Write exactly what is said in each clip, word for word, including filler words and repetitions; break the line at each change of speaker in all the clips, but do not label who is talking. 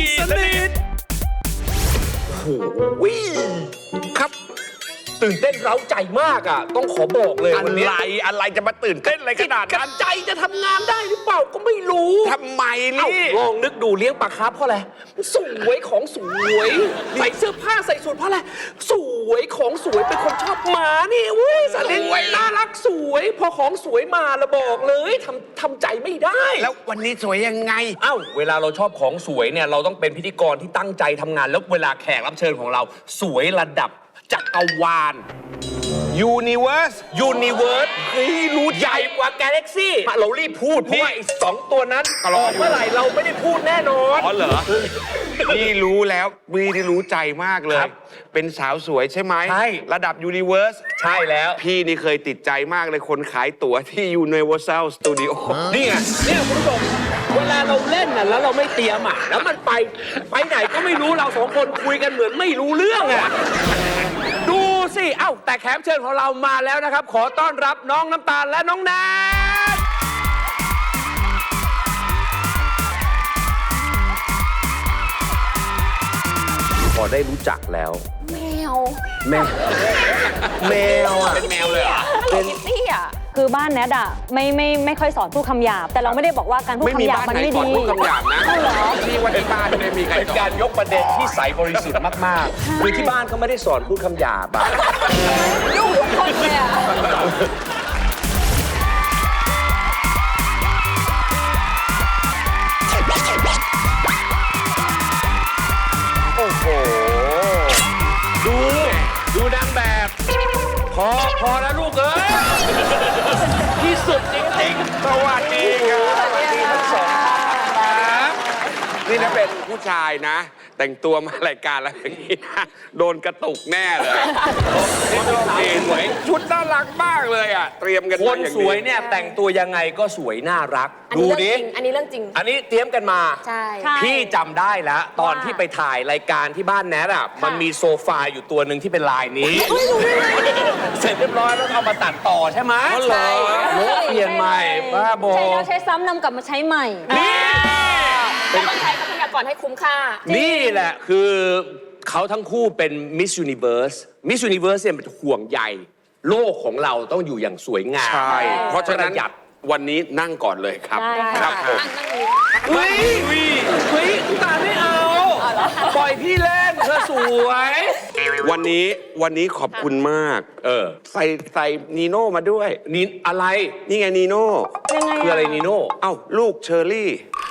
สนิทโอ้โหครับตื่นเต้นเร้าใจมากอ่ะต้องขอบอกเลยวันนี้
อะไรอะไรจะมาตื่นเต้นอะไรขนาดนั้น
ใจจะทำงานได้หรือเปล่าก็ไม่รู้
ทำไมนี่
ลองนึกดูเลี้ยงปลาคาร์ฟเพราะอะไรสวยของสวยใส่เสื้อผ้าใส่สูทเพราะอะไรสวยของสวยเป็นคนชอบหมานี่เว้ยสลิดน่ารักสวยพอของสวยมาละบอกเลยทำทำใจไม่ได้
แล้ววันนี้สวยยังไง
เอ้าเวลาเราชอบของสวยเนี่ยเราต้องเป็นพิธีกรที่ตั้งใจทำงานแล้วเวลาแขกรับเชิญของเราสวยระดับจักรวาล
Universe
Universe เฮ้ยรู้ใหญ่กว่า Galaxy เรารีบพูดเพราะว่าไอ้สองตัวนั้นออกเมื่อไหร่เราไม่ได้พูดแน่นอน
อ๋อเหรอพี่รู้แล้วพี่ที่รู้ใจมากเลย เป็นสาวสวยใช่ไหมใช่ระดับ Universe
ใช่แล้ว
พี่นี่เคยติดใจมากเลยคนขายตั๋วที่ Universal Studio
นี่ไงเนี่ยคุณผู้ชมเวลาเราเล่นน่ะแล้วเราไม่เตรียมอ่ะแล้วมันไปไปไหนก็ไม่รู้เราสองคนคุยกันเหมือนไม่รู้เรื่องอ่ะดูสิเอ้าแต่แขกเชิญของเรามาแล้วนะครับขอต้อนรับน้องน้ำตาลและน้องแนทพอได้รู้จักแล้ว
แมว
แมวแมวอ่ะ
เป็นแมวเลยเหรอ
เป็นคิตตี้อ่ะ
คือบ้านแนทอะไม่ไม่ไม่ค่อยสอนพูดคำหยาบแต่เราไม่ได้บอกว่าการพูดคำหยาบมันไม่ดี
ไม่มีบ้านไหนสอนพูดคำหยาบนะ
เหรอ
ที่วันที่บ้านไม่มีใคร
เป็นการยกประเด็นที่ใสบริสุทธิ์มากๆคือที่บ้านเขาไม่ได้สอนพูดคำหยาบอ่ะ
ยุ่งทุกคนเลยอ่ะ
โอ้โหดูดูนางแบบพอพอแล้วลูกเอ้ยที่สุดจริงๆ
สวัสดีครับ
สวัสดีทั้งสองท่านครับ
นี่ถ้าเป็นผู้ชายนะ แต่งตัวมารายการแล้วอย่างนี้นะโดนกระตุกแน่เลยสวยชุดน่ารักมากเลยอ่ะเตรียมกัน
คนสวยเนี่ยแต่งตัวยังไงก็สวยน่ารักดูดิ
อันนี้เรื่องจริง
อันนี้เตรียมกันมา
ใช่
พี่จำได้แล้วตอนที่ไปถ่ายรายการที่บ้านแนทอ่ะมันมีโซฟาอยู่ตัวหนึ่งที่เป็นลายนี้เสร็จเรียบร้อยแล้วเอามาตัดต่อใช่ไหม
ใช่
โน้ตเปลี่ยนใหม่บ้าบอ
ใช้แล้วใช้ซ้ำนำกลับมาใช้ใหม่
นี่
แล้วต้องใช้ทรัพยากรให้คุ้มค่า
นี่แหละคือเขาทั้งคู่เป็น Miss Universe Miss Universe เนี่ยเป็นห่วงใยโลกของเราต้องอยู่อย่างสวยงาม
ใช่เพราะฉะนั้น
ประหยัด
วันนี้นั่งก่อนเลยครับ
ได้
ครับผม
เฮ้ยเฮ้ยคุณตาไม่เอาปล่อยพี่เล่นเธอสวย
วันนี้วันนี้ขอบคุณมาก
เออ
ใส่ใส่นีโน่มาด้วย
นี่อะไร
นี่ไงนีโน่
ยังไง
คืออะไรนีโน่
เอ้าลูกเชอรี่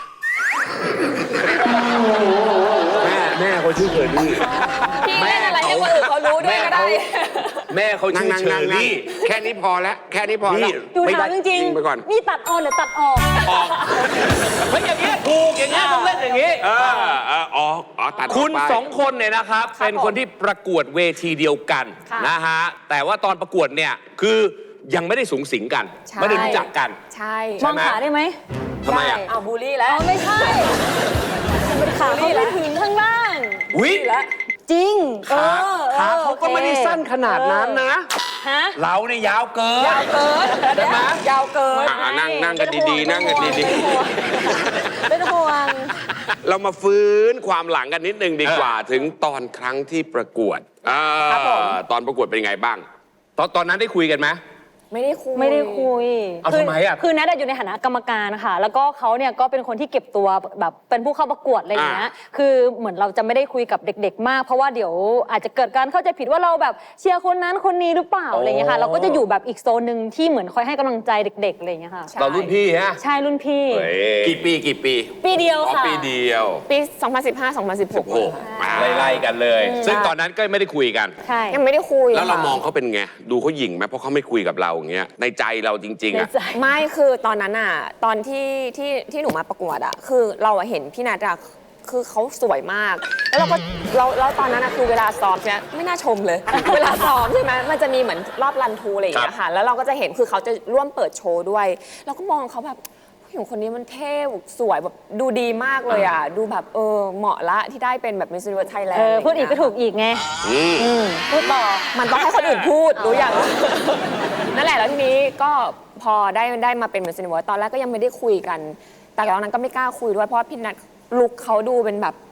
แม่แม่เขาชื่อเชอรี่
พี่เล่นอะไรให้คนอื่นเขารู้ด้วยก็ได้
แม่เขา
นั่
ชื่
ง
อ
นั่ง
เช
นั่
อง
นั่ง
รี่
แค่นี้พอแล้ว แค่นี้พอแล้ว
ดูถามจริง
ยิงไปก่อน
นี่ตัดออนหรือตัดออก
เฮ้ยอย่างเงี้ยถูกอย่างเงี้ยต้องเล่นอย่างงี้
เออเอออ๋ออ๋อตัดออกไป
คุณสองคนเนี่ยนะครับเป็นคนที่ประกวดเวทีเดียวกัน
ค่ะ
นะฮะแต่ว่าตอนประกวดเนี่ยคือยังไม่ได้สูงสิงกัน
ใช่
ไม่ได้รู้จักกัน
ใช่
มองขาได้ไหม
ทำไมอ่ะ
เอาบูลลี่แล้ว
อ๋อไม่ใช่มันขาเขาไม่ถึงข้างล่าง
วิ
จริงเอ
ขา
อ
ขาเขาก็ไม่ได้สั้นขนาดนั้นนะ
ฮะ
เราเนี่ยยาวเกิน
ยาวเกิน
ใช่ไหม
ยาวเกิน
อ่ะนั่งนั่งกันดีๆ นั่งกันดี
เป็นห่วง
ๆ เรามาฟื้นความหลังกันนิดนึงดีกว่า ถึงตอนครั้งที่ประกวดอ่า
ครับผม
ตอนประกวดเป็นไงบ้าง
ตอนตอนนั้นได้คุยกันไหม
ไม่ได้คุย
ไม่ได้คุย
เอา
คื
ทำไมอะ
คือแนทอยู่ในฐานะกรรมการค่ะแล้วก็เขาเนี่ยก็เป็นคนที่เก็บตัวแบบเป็นผู้เข้าประกวดอะไรอย่างเงี้ยคือเหมือนเราจะไม่ได้คุยกับเด็ก ๆ มาก เพราะว่าเดี๋ยวอาจจะเกิดการเข้าใจผิดว่าเราแบบเชียร์คนนั้นคนนี้หรือเปล่าอะไรอย่างเงี้ยค่ะเราก็จะอยู่แบบอีกโซนหนึ่งที่เหมือนคอยให้กำลังใจเด็กๆอะไรอย่างเงี้ยค่ะ
ใช่
เรารุ่นพี่ฮะ
ใช่รุ่นพี่
กี่ปีกี่ปี
ปีเดียว
อ๋อ
ค่ะ
ปีเดียว
ปี สองพันสิบห้า สองพันสิบหก
โอ้โห
ไล่ๆกันเลย ซึ่งตอนนั้นก็ไม่ได้คุยกัน
ใช่
ยังไม่ได้คุย
แล้วเรา
ค่ะ
มองเขาเป็นไง ดูเขาหยิ่งไหมเพราะเขาไม่คุยกับเราอย่างเงี้ย ในใจเราจริงๆ
ใน
อ่ะ
ใจ
ไม่คือตอนนั้นอ่ะตอนที่ที่ที่หนูมาประกวดอ่ะคือเราอะเห็นพี่นัทอะคือเขาสวยมาก แล้วเราก็เราแล้วตอนนั้นอะคือเวลาซ้อมใช่ไหมไม่น่าชมเลย เวลาซ้อมใช่ไหมมันจะมีเหมือนรอบรันทรูอะไรอย่างเงี้ยค่ะแล้วเราก็จะเห็นคือเขาจะร่วมเปิดโชว์ด้วยเราก็มองเขาแบบผู้หญิงคนนี้มันเท่สวยแบบดูดีมากเลยอ่ะดูแบบเออเหมาะละที่ได้เป็นแบบ Miss Universe
เอ
Thailand
อพูดอีกก็ถูกอีกไง
อืม
อืมพูดต่อ
มันต้องให้คนอื่นพูดรู้อย่าง นั่นแหละแล้วทีนี้ก็พอได้ได้มาเป็น Miss Universe ตอนแรกก็ยังไม่ได้คุยกัน แต่ตอนนั้นก็ไม่กล้าคุยด้วยเพราะว่าพี่นัทลุคเขาดูเป็นแบบ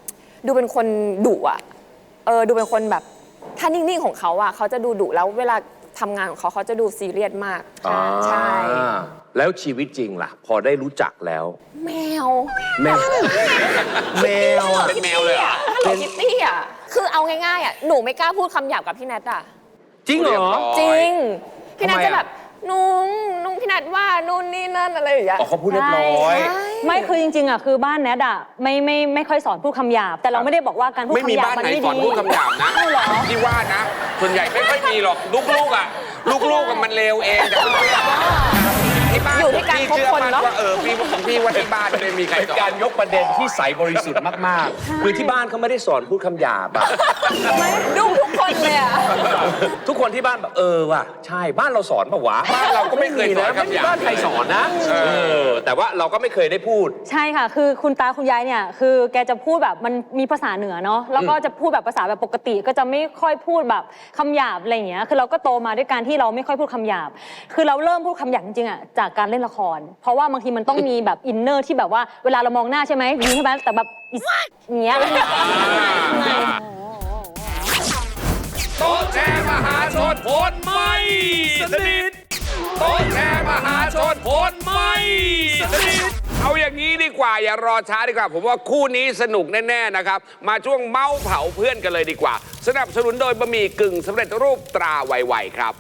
ดูเป็นคนดุอ่ะเออดูเป็นคนแบบถ้านิ่งๆของเขาอ่ะเขาจะดูดุแล้วเวลาทำงานของเขาเขาจะดูซีเรียสมากใช่
แล้วชีวิตจริงล่ะ พอได้รู้จักแล้ว
แมว
แมวแมวอ่ะ
เป็นแมวเลยเหรอ
ฮัลโหลคิตตี้อ่ะคือเอาง่ายๆอ่ะหนูไม่กล้าพูดคำหยาบกับพี่แนทอ่ะ
จริงเหรอ
จริงพี่แนท
ทำไมอะ
จะแบบนุ้งนุ้งพี่แนทว่านู่นนี่นั่นอะไรอย่างเงี้ย
อ๋อเขาพูดเรียบร้อย
ใช่
ไม่คือจริงๆอ่ะคือบ้านแนทอ่ะไม่ไม่ไม่ค่อยสอนพูดคำหยาบ แต่เราไม่ได้บอกว่าการพูด
ไม่มี
คำหยาบ
บ้าน
มัน
ไหน
ไม่
สอน
ดี
พูดคำหยาบนะ
ใช่เหรอ
ที่ว่านะ ส่วนใหญ่ไม่ค่อยมีหรอกลูกๆอ่ะลูกๆกับมันเลวเองแต่เพื่อนๆที่บ้าน
อยู่ที่การ
พี่
คบ
เชื่อ
คน
มั่น
เนาะ
ว่าเออพี่ของพี่ว่าที่บ้านไม่มีใคร
เป็น
สอน
การยกประเด็นที่ใสบริสุทธิ์มากๆ คือที่บ้านเขาไม่ได้สอนพูดคำหยาบอะ
ดุ้งทุกคนเลยอ่ะ
ทุกคนที่บ้านแบบเออว่ะใช่บ้านเราสอนปะวะ
บ้านเราก็ไม่เคยสอน
ไม่
คำ
มี
หยาบ
บ้านใครสอนนะเออแต่ว่าเราก็ไม่เคยได้พูด
ใช่ค่ะ คือคุณตาคุณยายเนี่ย คือแกจะพูดแบบมันมีภาษาเหนือเนาะ แล้วก็จะพูดแบบภาษาแบบปกติ ก็จะไม่ค่อยพูดแบบคำหยาบอะไรอย่างเงี้ย คือเราก็โตมาด้วยการที่เราไม่ค่อยพูดคำหยาบ คือเราเริ่มพูดคำหยาบจริงๆอ่ะจากการเล่นละคร เพราะว่าบางทีมันต้องมีแบบอินเนอร์ที่แบบว่าเวลาเรามองหน้าใช่ไหมยิ้มใช่ไหมแต่แบบอิสอย่างเงี้ย
โต๊ะแชร์มหาชนผลไม่สนิทโต๊ะแชร์มหาชนผลไม่สนิทเอาอย่างนี้ดีกว่าอย่ารอช้าดีกว่าผมว่าคู่นี้สนุกแน่ๆนะครับมาช่วงเมาส์เผาเพื่อนกันเลยดีกว่า สนับสนุนโดยบะหมี่กึ่งสำเร็จรูปตราไวๆครับ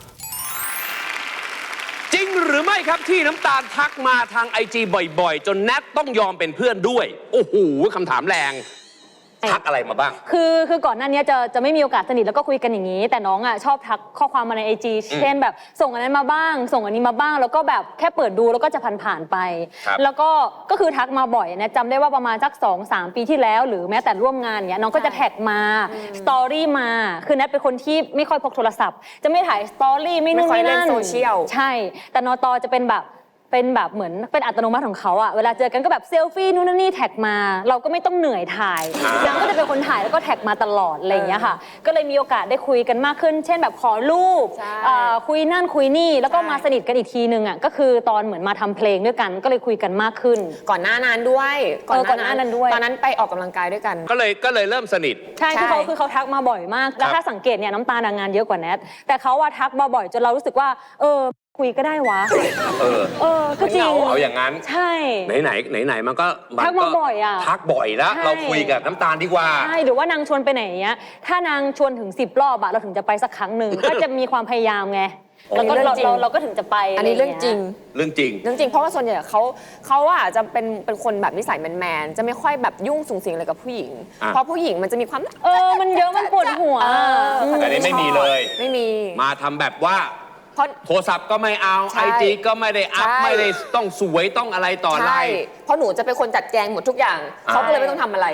จริงหรือไม่ครับที่น้ำตาลทักมาทางไอจีบ่อยๆ จนแนทต้องยอมเป็นเพื่อนด้วย โอ้โหคำถามแรง ทักอะไรมาบ้าง
คือคือก่อนหน้านี้จะจะไม่มีโอกาสสนิทแล้วก็คุยกันอย่างนี้ แต่น้องอ่ะชอบทักข้อความมาในไอจีเช่นแบบส่งอันนั้นมาบ้าง ส่งอันนี้มาบ้าง แล้วก็แบบแค่เปิดดูแล้วก็จะผ่านๆไป
ครับ
แล้วก็ก็คือทักมาบ่อยนะจำได้ว่าประมาณสักสองสามปีที่แล้ว หรือแม้แต่ร่วมงานเนี้ยน้องก็จะแท็กมาสตอรี่มาคือแนทเป็นคนที่ไม่ค่อยพกโทรศัพท์ จะไม่ถ่ายสตอรี่ไม่นู่น
ไม่ค่อย
ไม่
เล่น
นั่น
โซเชียล
ใช่ แต่นอตอจะเป็นแบบเป็นแบบเหมือนเป็นอัตโนมัติของเขาอะเวลาเจอกันก็แบบเซลฟี่นู่นนี่แท็กมา เราก็ไม่ต้องเหนื่อยถ่ายนางก็จะเป็นคนถ่ายแล้วก็แท็กมาตลอดอะไรอย่างเงี้ยค่ะ ก็เลยมีโอกาสได้คุยกันมากขึ้น เช่นแบบขอรูป
ใช่
อ่าคุยนั่นคุยนี่แล้วก็
ใช่
มาสนิทกันอีกทีนึงอะก็คือตอนเหมือนมาทำเพลงด้วยกัน ก็เลยคุยกันมากขึ้น
ก่อนหน้านั้นด้วย
เออก่อนหน้านั้นด้วย
ตอนนั้นไปออกกำลังกายด้วยกัน
ก็เลยก็เลยเริ่มสนิท
ใช่คือเขา
ใช่
คือเขาทักมาบ่อยมาก แล้ว
ครับ
ถ้าสังเกตเนี่ยน้ำตาลงานเยอะกว่าแนทแต่เขาว่าทักมาบ่อยจนเรารู้สึกว่า เออคุยก็ได้วะ
เออ
เออก็จริง
เอาอย่างนั้น
ใช่
ไหนไหนไหนไหนๆมันก็น
ทักมาบ่อยอะ
ทักบ่อยแล้ว
ใช่
เราคุยกับน้ำตาลดีกว่า
ใช่หรือว่านางชวนไปไหนอย่างเงี้ยถ้านางชวนถึงสิบรอบอะเราถึงจะไปสักครั้งหนึ่ง ก็จะมีความพยายามไง แล้วก็
อันนี้เรื่
เรา
องจริง
เราเราก็ถึงจะไป
อันนี้เรื่องจริง
เรื่องจริง
เรื่องจริงเพราะว่าส่วนใหญ่เขาเขาอะจะเป็นเป็นคนแบบนิสัยแมนๆจะไม่ค่อยแบบยุ่งสุงสิงอะไรกับผู้หญิง
อ่ะ
เพราะผู้หญิงมันจะมีความ
เออมันเยอะมันปวดหัว
เออ
แต่นี่ไม่มีเลย
ไม่มี
มาทำแบบว่า
เพราะ
โทรศัพท์ก็ไม่เอา
ใช่
ไอจีก็ไม่ได้อัพ
ใช่
ไม่ได้ต้องสวยต้องอะไรต่ออะไร
ใช่เพราะหนูจะเป็นคนจัดแจงหมดทุกอย่าง
อ่า
เขาก็เลยไม่ต้องทำอะไร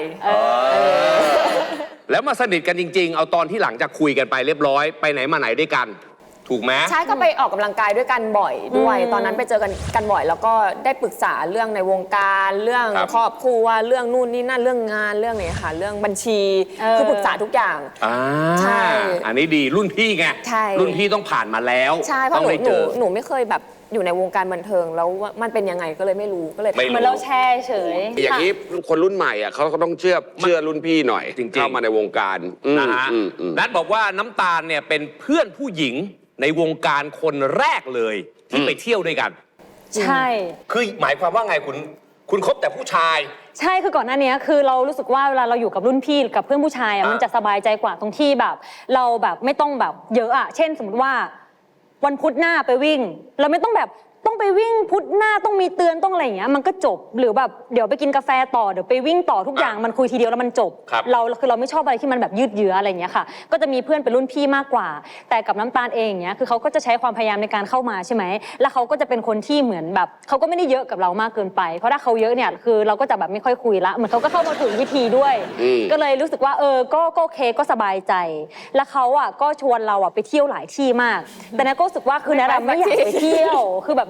แล้วมาสนิทกันจริง ๆ เอาตอนที่หลังจากคุยกันไปเรียบร้อยไปไหนมาไหนด้วยกัน ถูกไหม
ใช่ก็ไปออกกำลังกายด้วยกันบ่อยด้วย
อืม
ตอนนั้นไปเจอกันกันบ่อย แล้วก็ได้ปรึกษาเรื่องในวงการเรื่อง
ครับ
ครอบครัวเรื่องนู่นนี่นั่นเรื่องงานเรื่องอะไรค่ะเรื่องบัญชีคือปรึกษาทุกอย่าง
อ่า
ใช่
อันนี้ดีรุ่นพี่ไง
ใช่
รุ่นพี่ต้องผ่านมาแล้ว
ใช่เพราะ
ต้อง
หนู
ได้
ห
เจ
นู
อ
หนูไม่เคยแบบอยู่ในวงการบันเทิงแล้วว่ามันเป็นยังไงก็เลยไม่รู้ก็เลย
ไม่
เหมือนเราแชร์เฉย
อย่างนี้คนรุ่นใหม่อ่ะเขาก็ต้องเชื่อเชื่อรุ่นพี่หน่อย
จริงๆ
เข้ามาในวงการอืม
นะฮะ
อืมอืม
นัทบอกว่าน้ำตาลเนี่ยเป็นเพื่อนผู้หญิงในวงการคนแรกเลยที่ไปเที่ยวด้วยกัน
ใช่
คือหมายความว่าไงคุณคุณคบแต่ผู้ชาย
ใช่คือก่อนหน้านี้คือเรารู้สึกว่าเวลาเราอยู่กับรุ่นพี่กับเพื่อนผู้ชายอ่ะ
อ่ามั
มันจะสบายใจกว่าตรงที่แบบ เราแบบไม่ต้องแบบเยอะอ่ะเช่น สมมติว่า วันพุธหน้าไปวิ่ง เราไม่ต้องแบบต้องไปวิ่งพุธหน้าต้องมีเตือนต้องอะไรอย่างเงี้ยมันก็จบหรือแบบเดี๋ยวไปกินกาแฟต่อเดี๋ยวไปวิ่งต่อทุกอย่างมันคุยทีเดียวแล้วมันจบ
ครับ
เราคือเราไม่ชอบอะไรที่มันแบบยืดเยื้ออะไรอย่างเงี้ยค่ะ ก็จะมีเพื่อนเป็นรุ่นพี่มากกว่า แต่กับน้ำตาลเองอย่างเงี้ยคือเขาก็จะใช้ความพยายามในการเข้ามาใช่ไหมแล้วเขาก็จะเป็นคนที่เหมือนแบบเขาก็ไม่ได้เยอะกับเรามากเกินไป เพราะถ้าเขาเยอะเนี่ยคือเราก็จะแบบไม่ค่อยคุยละเหมือนเขาก็เข้ามาถูกวิธีด้วย
อืม
ก็เลยรู้สึกว่าเออก็ก็โอเคก็สบายใจ แล้วเขาอ่ะก็ชวนเราอ่ะไปเที่ยวหลายที่มาก แต่แนทก็รู้สึกว่าคือแนทอะไม่อยากไปเที่ยวคือแบบ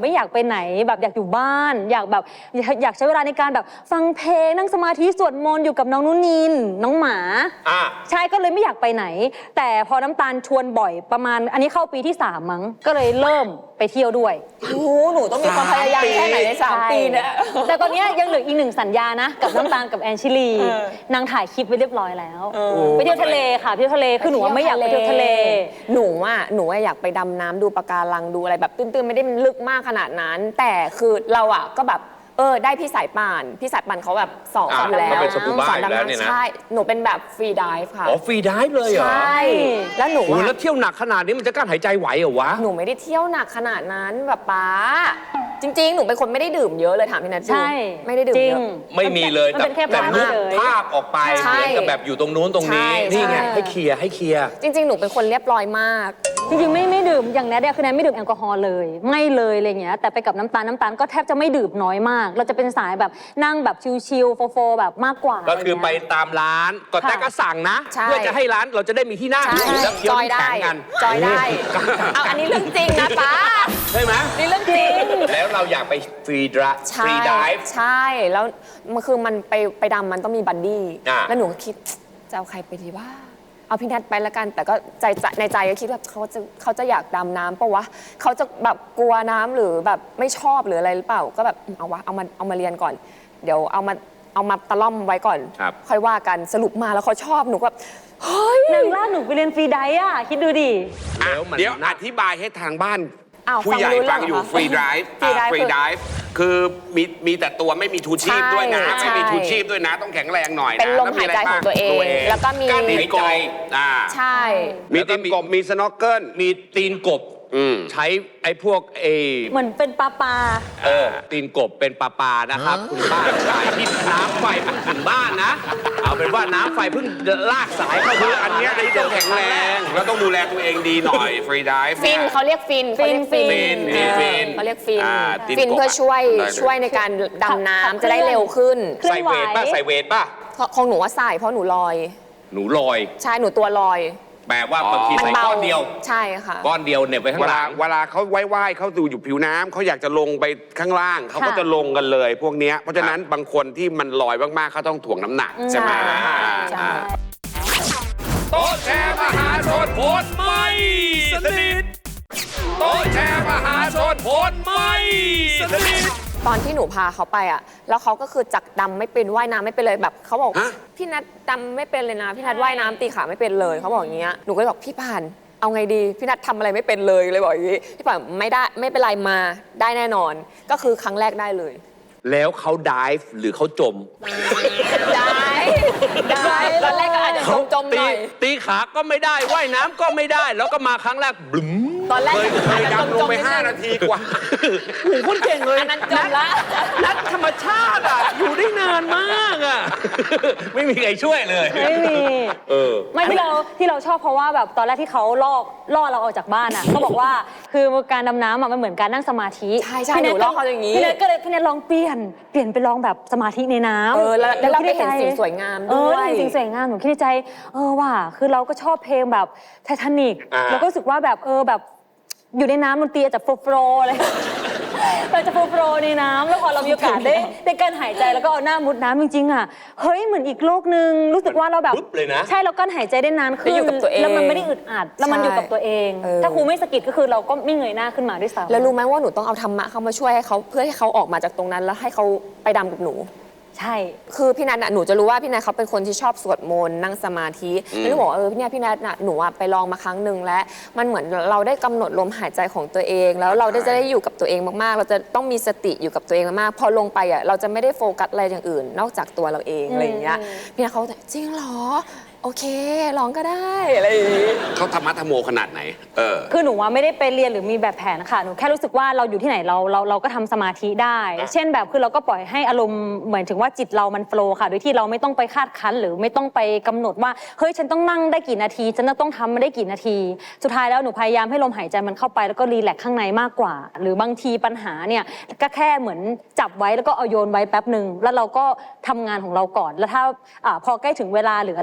ไม่อยากไปไหนแบบอยากอยู่บ้าน อยากแบบอยากอยากใช้เวลาในการแบบฟังเพลงนั่งสมาธิสวดมนต์อยู่กับน้องนุ่นนินน้องหมา
อ่า
ใช่ก็เลยไม่อยากไปไหน แต่พอน้ำตาลชวนบ่อยประมาณอันนี้เข้าปีที่สามมั้งก็เลยเริ่มไปเที่ยวด้วย
โอ้โหหนูต้องมีความพยายามแค่ไหนในสามปีเนี่ย
แต่ตอนเนี้ยยังเหลืออีกหนึ่งสัญญานะ กับน้ำตาลกับแอนชิลี
เออน
างถ่ายคลิปไว้เรียบร้อยแล้ว
เออ
ไปเที่ยวทะเลค่ะไปเที่ยวทะเลคือหนูว่าไม่อยากไปเที่ยวทะเล
หนูอ่ะหนูอะอยากไปดำน้ำดูปะการังดูอะไรแบบตื้นๆไม่ได้ลึกมากขนาดนั้น แต่คือเราอ่ะก็แบบเออได้พี่สายป่านพี่สายป่านเขาแบบสอน
อ่า
อยู่แล้ว
เขาเป็นสกูบ้า
สอน
อยู่
ดำ
แล้วเนี่ยนะ
น้ำใช่หนูเป็นแบบฟรีดิฟค่ะ
อ๋อฟรีไดิฟเลยเหรอ
ใช่แล้วหนู
โอ้
อะ
แล้วเที่ยวหนักขนาดนี้มันจะกลั้นหายใจไหวเหรอวะ
หนูไม่ได้เที่ยวหนักขนาดนั้นแบบป๊าจริง ๆ หนูเป็นคนไม่ได้ดื่มเยอะเลยถามพี่นัทดู
ใช่
ไม่ได้ดื่ม
จริ
เย
ง
อะ
ไม่มีเลย
มัน
แต่
เป็นแค่
แต่
ภาพ
นึก
เฉย
ภาพออกไป
ใช่
เหมือนกับแบบอยู่ตรงนู้นตรงนี้
ใช่
นี่ไง
ใช่
ให้เคลียร์ให้เคลียร์
จริง ๆ หนูเป็นคนเรียบร้อยมาก
จริงๆไม่ไม่ดื่มอย่างแนทเนี่ยคือแนทไม่ดื่มแอลกอฮอล์เลยไม่เลยอะไรเงี้ยแต่ไปกับน้ำตาลน้ำตาลก็แทบจะไม่ดื่มน้อยมาก เราจะเป็นสายแบบนั่งแบบชิลๆโฟๆแบบมากกว่า
ก็คือไป
ะรเงี้ย
ตามร้านก็แต่ก็สั่งนะ
ใช่
เพื่อจะให้ร้านเราจะได้มีที่นั่ง
ใช่
แล้วเคี้ยว
จอย
น้ำ
ได้
แข็งกัน
จอยได้ เอาอันนี้เรื่องจริงนะป๊า
ใช่ไหม
นี่เรื่องจริง
แล้วเราอยากไปฟรีดราฟ
ใช่
ฟรีดิฟ
ใช่ แล้วมันคือมันไปไปดำมันต้องมีบัดดี้
อ่า
แล้วหนูก็คิดจะเอาใครไปดีว่า เอาพี่นัทไปละกัน แต่ก็ใจใจในใจก็คิดว่าเขาจะเขาจะอยากดำน้ำปะวะเขาจะแบบกลัวน้ำหรือแบบไม่ชอบหรืออะไรหรือเปล่า ก็แบบเอาวะเอามาเอามาเรียนก่อน เดี๋ยวเอามาเอามาตะล่อมไว้ก่อน
ครับ
ค่อยว่ากันสรุปมาแล้วเขาชอบหนูก็แบบเฮ้ย
นางลากหนูไปเรียนฟรีไดฟ์อ่ะคิดดูดิ
อ่ะ
แล้วมัน
เดี๋ยว
น่า
อธิบายให้ทางบ้าน
อ้าว
ผู้ใหญ่
ฟังรู้เรื่
ฟั
อง
งอยู่
เหรอ
ฟรีไดฟ์
free dive
ฟรีไดฟ์คือมีมีแต่ตัวไม่มีชูชีพด้วยนะ
ใช่
ไม่มีชูชีพด้วยนะ ต้องแข็งแรงหน่อยนะ
เป็นลม
แว
หายใจของตัวเอง
บ้า
แล้วก็มี
การตีนกบอ่า
ใช่
มีตีนกบมีสโนว์เกิล
มีตีนกบ
อืม
ใช้ไอ้พวกเอ
เหมือนเป็นปลาปลา
เออตีนกบเป็นปลาปลานะครับ คุณป้าสายที่น้ำไฟเพิ่งถึงบ้านนะ เอาเป็นว่าน้ำไฟเพิ่งลากสายเข้า
คือ
บ้าน
อันเนี้ยอันนี้ต้องแข็งแรงแล้วต้องดูแลตัวเองดีหน่อยฟรีไดฟ์
ฟินเขาเรียกฟินเขาเรียกฟิน
ฟิน
เออ
ฟิน
เขาเรียกฟิน
อ่าตีน
ฟิน
กบ
เพื่อช่วย
ได้เลย
ช่วยในการดำน้
ขับ
ำ
เคลื่อน
จะได้เร็วขึ้น
เคลื่อน
ใส่
ไหว
เวทป่ะใส่เวทป่ะ
ของหนูว่าใส่เพราะหนูลอย
หนูลอย
ใช่หนูตัวลอย
แปลว่าบางที
มัน
ใส่
เบา
ก้อนเดียว
ใช่ค่ะ
ก้อนเดียวเหน็บไปข้า
เว
งห
ลา
ลัง
เวลาเขาว่ายๆเขาดูอยู่ผิวน้ำเขาอยากจะลงไปข้างล่างเขาก็
ค่ะ
จะลงกันเลย พวกเนี้ยเพราะฉะนั้นบางคนที่มันลอยมากๆเขาต้องถ่วงน้ำหนักใช่ไหม
ใช่ค่ะ
อ่า
ใช่
อ่า
โต๊ะแชร์มหาชนผลไม่สนิทโต๊ะแชร์มหาชนผลไม่สนิท
ตอนที่หนูพาเขาไปอ่ะ แล้วเขาก็คือจักดำไม่เป็นว่ายน้ำไม่เป็นเลยแบบเขาบอก
ฮะ
พี่นัทดำไม่เป็นเลยนะพี่นัทว่ายน้ำตีขาไม่เป็นเลยเขาบอกอย่างเงี้ยหนูก็เลยบอกพี่ผ่านเอาไงดีพี่นัททำอะไรไม่เป็นเลยเลยบอกอย่างงี้พี่ผ่านไม่ได้ไม่เป็นไรมาได้แน่นอน ก็คือครั้งแรกได้เลย
แล้วเขาดิฟหรือเขาจม
ได้ได้ตอนแรกก็อาจจะจมๆห
ตี
น่อย
ตีขาก็ไม่ได้ว่ายน้ำก็ไม่ได้ แล้วก็มาครั้งแรกบลึ้ม
ตอนแรก
เคยเค
อาจ
ย
จะจ
ดำลง
ม
ไป
ๆ
ห้านาทีกว่า
โอ้โหคนเก่งเลย
อันนั้นจมละ
นักธรรมชาติอ่ะ อยู่ได้นานมากอ่ะ ไม่มีใครช่วยเลย
ไม่มี
เออ
ไม่ที่เราที่เราชอบเพราะว่าแบบตอนแรกที่เขาล่อล่อเราออกจากบ้านอ่ะเขาบอกว่าคือการดำน้ำอ่ะมันเหมือนการนั่งสมาธิ
ใช่ใช่
พี่
ห
แท
นูล่อเขาอย่างนี้
พี่แนทก็เลยพี่แนทลองเปลี่ยนเปลี่ยนไปลองแบบสมาธิในน้ำ
เออแล้วแล้วเราไป
คิด
เห็น
ใใจ
สิ่งสวยงาม
เอ
ด้
อ
วย
เห็นสิ่งสวยงามหนูคิดในใจเออว่ะคือเราก็ชอบเพลงแบบไททานิก
อ่า
แล้วก็รู้สึกว่าแบบเออแบบอยู่ในน้ำดนตรีอาจจะโฟล์โฟล์เลย เราจะโฟล์โฟล์ในน้ำแล้วพอเรามีโอกาสได้ได้การหายใจแล้วก็เอาหน้ามุดน้ำจริงๆอ่ะเฮ้ยเหมือนอีกโลกนึงรู้สึกว่าเราแบบ
ปุ๊บเลยนะ
ใช่เรากั้นหายใจได้นานขึ้น
ได้อยู่กับตัวเอง
แล้วมันไม่ได้อึดอัดแล้วมัน
ใช่
อยู่กับตัวเอง
เออ
ถ้าครูไม่สะกิดก็คือเราก็ไม่เงยหน้าขึ้นมาด้วยซ้ำ
แล้วรู้ไหมว่าหนูต้องเอาธรรมะเข้ามาช่วยให้เขาเพื่อให้เขาออกมาจากตรงนั้น แล้วให้เขาไปดำกับหนู
ใช่
คือพี่นัทน่ะหนูจะรู้ว่าพี่นัทเขาเป็นคนที่ชอบสวดมนต์นั่งสมาธิแล้วหนูบอกว่าเออพี่เนี่ยพี่นัทน่ะหนูอะไปลองมาครั้งหนึ่งแล้วมันเหมือนเราได้กำหนดลมหายใจของตัวเอง แล้วเราได้จะได้อยู่กับตัวเองมากๆ เราจะต้องมีสติอยู่กับตัวเองมากๆพอลงไปอ่ะเราจะไม่ได้โฟกัสอะไรอย่างอื่น นอกจากตัวเราเองอะไรอย่างเงี้ยพี่นัทเขาจะจริงเหรอโอเคลองก็ได้อะไรอย่างงี้
เขาธรรมะธรรมโมขนาดไหน เออ
คือหนูว่าไม่ได้ไปเรียนหรือมีแบบแผนค่ะหนูแค่รู้สึกว่าเราอยู่ที่ไหนเราเราเราก็ทำสมาธิได้ เช่นแบบคือเราก็ปล่อยให้อารมณ์เหมือนถึงว่าจิตเรามันโฟล์ค่ะโดยที่เราไม่ต้องไปคาดคั้นหรือไม่ต้องไปกำหนดว่าเฮ้ยฉันต้องนั่งได้กี่นาทีฉันต้องทำมาได้กี่นาที สุดท้ายแล้วหนูพยายามให้ลมหายใจมันเข้าไปแล้วก็รีแลกซ์ข้างในมากกว่า หรือบางทีปัญหาเนี่ยก็แค่เหมือนจับไว้แล้วก็เอาโยนไว้แป๊บหนึ่งแล้วเราก็ทำงานของเราก่อนแล้วถ้าอ่าพอใกล้ถึงเวลาหรืออะไรก็ตาม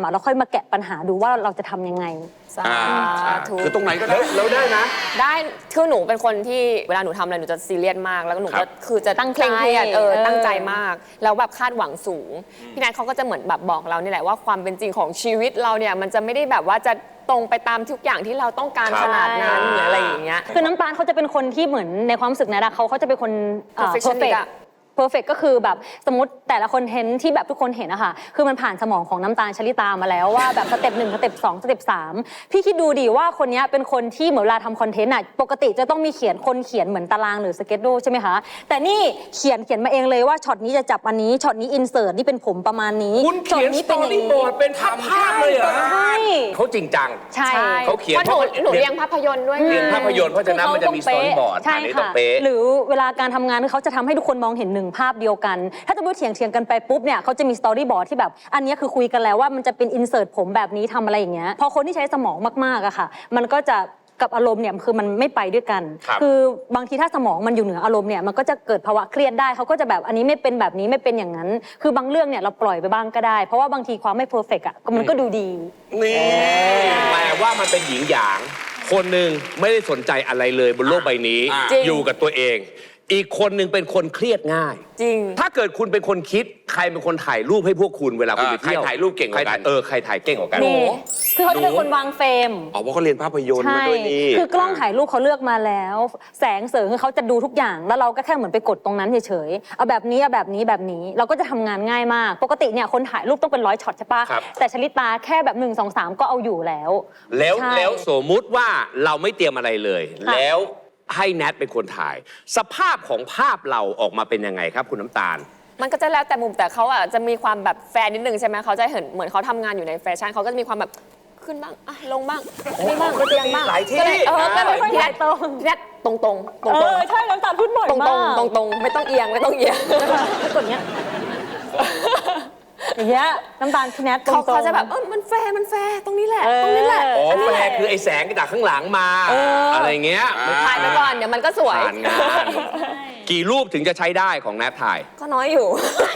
อ่ะเราค่อยมาแกะปัญหาดูว่าเราจะทำยังไง
สา
อ่า
ธุ
คือตรงไหนก็ได้
แล้วได้นะ
ได้คือหนูเป็นคนที่เวลาหนูทำอะไรหนูจะซีเรียสมาก แล้วก็หนู
ครั
ก็
บ
คือจะ
ตั้งใจ
เคร่งเครียดเออ
เออ
ตั้งใจมาก แล้วแบบคาดหวังสูง พี่นัทเขาก็จะเหมือนแบบบอกเรานี่แหละว่าความเป็นจริงของชีวิตเราเนี่ยมันจะไม่ได้แบบว่าจะตรงไปตามทุกอย่างที่เราต้องการ
ครับ
ขนาดนั้นหรืออะไรอย่างเงี้ย
คือน้ำตาลเขาจะเป็นคนที่เหมือนในความรู้สึกนะดะเขาเขาจะเป็นคนเอ่อ
perfectionist
perfect
อะ
perfect ก็คือแบบสมมติแต่ละคอนเทนต์ที่แบบทุกคนเห็นอะค่ะคือมันผ่านสมองของน้ำตาลชลิตามาแล้วว่าแบบสเต็ปหนึ่งสเต็ปสองสเต็ปสามพี่คิดดูดิว่าคนนี้เป็นคนที่เหมือนเวลาทำคอนเทนต์อะปกติจะต้องมีเขียนคนเขียนเหมือนตารางหรือสเก็ตดูใช่ไหมคะแต่นี่เขียนเขียนมาเองเลยว่าช็อตนี้จะจับอันนี้ช็อตนี้อินเสิร์ตนี่เป็นผมประมาณนี้
คุณเขียน
ช็อตนี้
สต
เป็น
อ
อย่าง
รี่
นี้
บอร์ดเป็นภาพภาพเลยเหรอ
ใช่
เขาจริงจัง
ใช่
เขาเขียน
เพราะหนูหนูเรียนภาพยนตร์ด้วยไง
เรียนภาพยนตร์เพราะฉะนั้นมันจะมีสตอรี่บอร์ด
ใช่
อันนี้ต้อ
ค่ะ
งเป๊ะ
หรือเวลาการทำงานเขาจะทำให้ทุกคนมองเห็นหนึ่งภาพเดียวกัน ถ้าจะพูดเถียงเถียงกันไปปุ๊บเนี่ยเขาจะมีสตอรี่บอร์ดที่แบบอันนี้คือคุยกันแล้วว่ามันจะเป็นอินเสิร์ตผมแบบนี้ทำอะไรอย่างเงี้ยพอคนที่ใช้สมองมากๆอะค่ะมันก็จะกับอารมณ์เนี่ยคือมันไม่ไปด้วยกัน
ครับ
อบางทีถ้าสมองมันอยู่เหนืออารมณ์เนี่ยมันก็จะเกิดภาวะเครียดได้เขาก็จะแบบอันนี้ไม่เป็นแบบนี้ไม่เป็นอย่างนั้น คือบางเรื่องเนี่ยเราปล่อยไปบ้างก็ได้ เพราะว่าบางทีความไม่เพอร์เฟกต์อะมันก็ดูดี
นี่แปลว่ามันเป็นหญิงหยาง คนหนึ่งไม่ได้สนใจอะไรเลยบนโลกใบนี้
อ่า
จริง
อยู่กับตัวเอง อีกคนหนึ่งเป็นคนเครียดง่าย
จริง
ถ้าเกิดคุณเป็นคนคิดใครเป็นคนถ่ายรูปให้พวกคุณเวลาคุณ
เอ
ไป
อใคร
เที่ยว
ถ่ายรูปเก่งกว่ากัน
ใครถ่ยเออใครถ่ายเก่งกว่ากัน
นี่คือเขาจะเป็นคนวางเฟรม
อ๋อเพราะเขาเรียนภาพยนตร์
ใช่
มาด้วยนี่
คือกล้องถ่ายรูปเขาเลือกมาแล้ว แสงเสริงคือเขาจะดูทุกอย่าง แล้วเราก็แค่เหมือนไปกดตรงนั้นเฉยๆ เอาแบบนี้ เอาแบบนี้ แบบนี้ เราก็จะทำงานง่ายมาก ปกติเนี่ยคนถ่ายรูปต้องเป็นร้อยช็อตใช่ปะ
ครับ
แต่ชลิตาแค่แบบหนึ่งสองสามก็เอาอยู่แล้ว
แล้ว
ใช่
แล้วสมมุติว่าเราไม่เตรียมอะไรเลย
ค่ะ
แล้วให้แนทเป็นคนถ่าย สภาพของภาพเราออกมาเป็นยังไงครับคุณน้ำตาล
มันก็จะแล้วแต่มุมแต่เขาอ่ะจะมีความแบบแฟนนิดนึงใช่ไหมเขาจะเห็นเหมือนเขาทำงานอยู่ในแฟชั่นเขาก็จะมีความแบบขึ้นบ้างอ่ะลงบ้างอันนี้บ้างเตียงบ้าง
หลายที่
ก็เลยเออก็เลย
ไม่ค่อย
พี่
ถ่า
นั
ย
ท
ตรง
พี่นัทตรงตรงตรง
เอ
ตรง
อใช่น้ำตาลพูดบ่อย
ตรง
มาก
ตรงตรงๆไม่ต้องเอียงไม่ต้องเอียง
กดเนี้ยอย่างเงี้ยน้ำตาลพี่แนทตรง
เขา
ๆ
เขาจะแบบเออมันแฟร์มันแฟร์ตรงนี้แหละ
เออ
ตรงนี้แหละ
อ๋อ
อันนี้
แฟ
แหละ
ร์คือไอ้แสงจากข้างหลังมา อะไรเงี้ย
ถ่ายไปก่อนเดี๋ยวมันก็สวย
ผ่านงาน กี่รูปถึงจะใช้ได้ของแนทถ่าย
ก็น้อยอยู่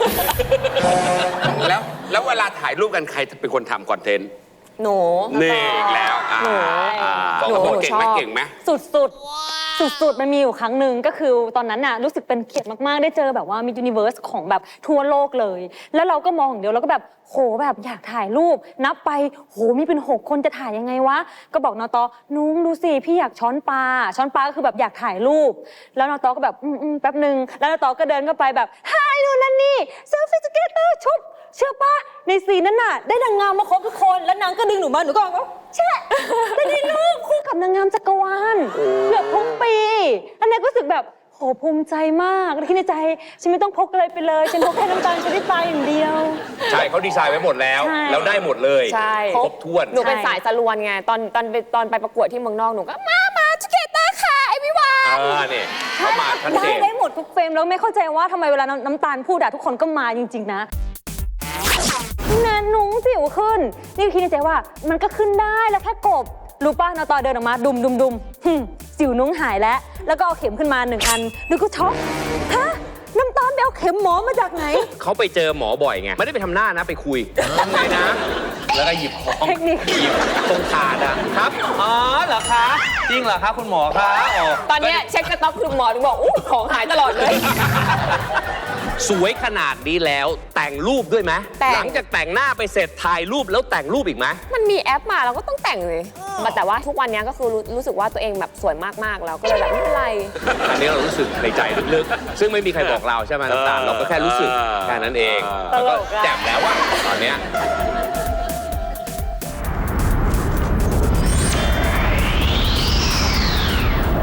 แล้วแล้วเวลาถ่ายรูปกันใครเป็นคนทำคอนเทนต์
หนู
นี่อีกแล้วอ่า
หนู
อ่า
หนู
สองคน
หนู
เก่ง
ชอบ
ไหมเก่งไหม
สุดสุดสุดสุดๆมันมีอยู่ครั้งหนึ่งก็คือตอนนั้นน่ะรู้สึกเป็นเกียรติมาก ๆ ได้เจอแบบว่ามียูนิเวอร์สของแบบทั่วโลกเลย แล้วเราก็มองอย่างเดียวเราก็แบบโหแบบอยากถ่ายรูป นับไปโหมีเป็นหกคนจะถ่ายยังไงวะ ก็บอกนอตอนุ้งดูสิพี่อยากช้อนปลาช้อนปลาก็คือแบบอยากถ่ายรูป แล้วนอตอก็แบบอืมอืมแป๊บหนึ่งแล้วนอตอก็เดินเข้าไปแบบฮายนู่นนั่นนี่เซลฟี่สเก็ตเตอร์ชุบเชื่อปะในซีนนั้นน่ะได้นางงามมาครบทุกคนแล้วนางก็ดึงหนูมาหนูก็บอกแช่ได้ในรูปคู่กับนางงามจักรวาลเกือบทุกปีอันนี้ก็รู้สึกแบบโหภูมิใจมากคิดในใจฉันไม่ต้องพกอะไรไปเลยฉันพกแค่น้ำตาลชนิดตายอย่างเดียว
ใช่เขาดีไซน์ไว้หมดแล้ว
ใช่
แล้วได้หมดเลย
ใช่
ครบถ้วน
หนูเป็น
ใช่
สายสลวนไงตอนตอนไปตอนไปประกวดที่เมืองนอกหนูก็มามาสเก็ตเตอร์ค่ะไอพี่วาน
อ่าเนี่ยเขามาชัดเจ
ได้
น
ได้หมดทุกเฟรมแล้วไม่เข้าใจว่าทำไมเวลาน้ำน้ำตาลพูดอะทุกคนก็มาจริง ๆ นะนะนุ้งสิวขึ้น นี่คิดในใจว่ามันก็ขึ้นได้แล้วแค่กบรู้ป่ะนอตอเดินออกมาดุมดุมดุมหึ่มสิวนุ้งหายแล้ว แล้วก็เอาเข็มขึ้นมาหนึ่งอันแล้วก็ช็อกฮะน้ำตาลไปเอาเข็มหมอมาจากไหน
เขาไปเจอหมอบ่อยไง ไม่ได้ไปทำหน้านะไปคุยทำไงนะ แล้วก็หยิบของ
เทคนิค
หยิบตรงถาดอะครับ อ๋อเหรอคะ จริงเหรอคะคุณหมอคะอ๋อ
ตอนเนี้ยเช็คสต็อกคือหมอถึงบอกอู้ของหายตลอดเลย
สวยขนาดนี้แล้วแต่งรูปด้วยไหม
แต่ง
หลังจากแต่งหน้าไปเสร็จถ่ายรูปแล้วแต่งรูปอีกไหม
มันมีแอปมาเราก็ต้องแต่งเลยแต่ว่าทุกวันเนี้ยก็คือรู้รู้สึกว่าตัวเองแบบสวยมากๆแล้วก็เลยแบบไม่เป็นไร
อันนี้เรารู้สึกในใจลึกๆ ซึ่งไม่มีใครบอกเราใช่ไหมน้ำตาลเราก็แค่รู้สึกแค่นั้นเอง
ตลกอะ
แล้วก็แจ่มแล้วว่าตอนเนี้ย